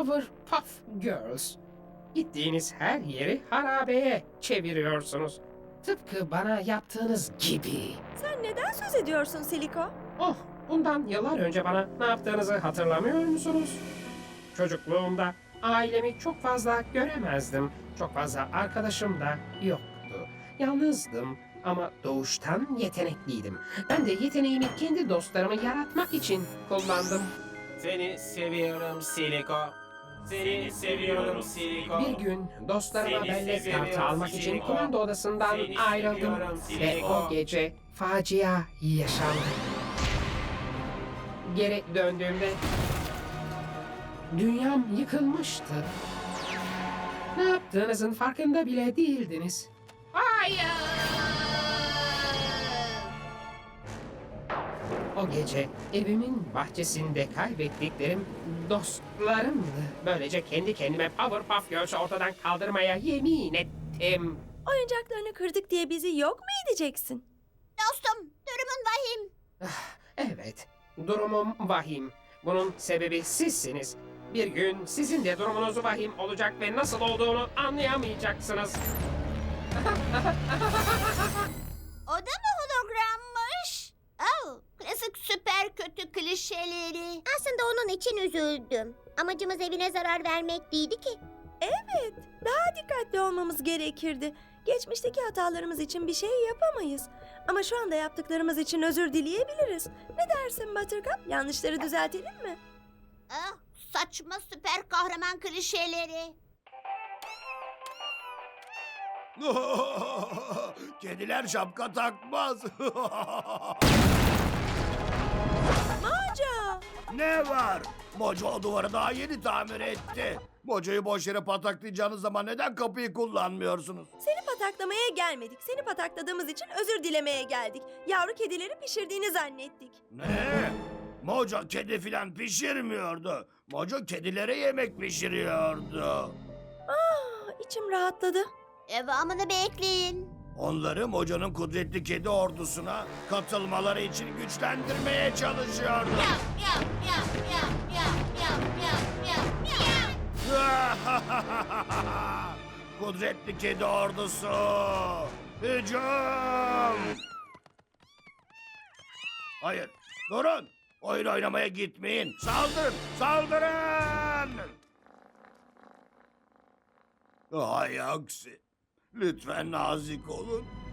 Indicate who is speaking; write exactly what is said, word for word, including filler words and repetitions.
Speaker 1: Powerpuff Girls. Gittiğiniz her yeri harabeye çeviriyorsunuz. Tıpkı bana yaptığınız gibi.
Speaker 2: Sen neden söz ediyorsun Siliko?
Speaker 1: Oh, bundan yıllar önce bana ne yaptığınızı hatırlamıyor musunuz? Çocukluğumda ailemi çok fazla göremezdim. Çok fazla arkadaşım da yoktu. Yalnızdım ama doğuştan yetenekliydim. Ben de yeteneğimi kendi dostlarımı yaratmak için kullandım.
Speaker 3: Seni seviyorum Siliko. Seni seviyorum Siliko.
Speaker 1: Bir gün dostlarıma
Speaker 3: Seni
Speaker 1: bellek
Speaker 3: seviyorum
Speaker 1: kartı almak için
Speaker 3: Siliko.
Speaker 1: komando odasından
Speaker 3: Seni
Speaker 1: ayrıldım.
Speaker 3: seviyorum
Speaker 1: Ve
Speaker 3: Siliko.
Speaker 1: o gece facia yaşandı. Geri döndüğümde dünyam yıkılmıştı. Ne yaptığınızın farkında bile değildiniz. Hayır! O gece evimin bahçesinde kaybettiklerim dostlarımdı. Böylece kendi kendime Powerpuff Girls'ü ortadan kaldırmaya yemin ettim.
Speaker 2: Oyuncaklarını kırdık diye bizi yok mu edeceksin?
Speaker 4: Dostum, durumun vahim.
Speaker 1: Evet, durumum vahim. Bunun sebebi sizsiniz. Bir gün sizin de durumunuz vahim olacak ve nasıl olduğunu anlayamayacaksınız.
Speaker 4: O da mı hologrammış? Oh, klasik süper kötü klişeleri. Aslında onun için üzüldüm. Amacımız evine zarar vermek değildi ki.
Speaker 2: Evet, daha dikkatli olmamız gerekirdi. Geçmişteki hatalarımız için bir şey yapamayız. Ama şu anda yaptıklarımız için özür dileyebiliriz. Ne dersin Buttercup? Yanlışları düzeltelim mi?
Speaker 4: Ah, saçma süper kahraman klişeleri.
Speaker 5: Kediler şapka takmaz.
Speaker 2: Mojo!
Speaker 5: Ne var? Mojo o duvarı daha yeni tamir etti. Mojo'yu boş yere pataklayacağınız zaman neden kapıyı kullanmıyorsunuz?
Speaker 2: Seni pataklamaya gelmedik. Seni patakladığımız için özür dilemeye geldik. Yavru kedileri pişirdiğini zannettik.
Speaker 5: Ne? Mojo kedi filan pişirmiyordu. Mojo kedilere yemek pişiriyordu.
Speaker 2: Ah, içim rahatladı.
Speaker 4: Devamını bekleyin.
Speaker 5: Onları Mojo'nun kudretli kedi ordusuna katılmaları için güçlendirmeye çalışıyordu.
Speaker 4: Yav, yav, yav, yav, yav, yav, yav, yav, yav.
Speaker 5: Kudretli kedi ordusu! Hücum! Hayır, durun! Oyun oynamaya gitmeyin. Saldırın, saldırın! Hay aksi. Lütfen nazik olun.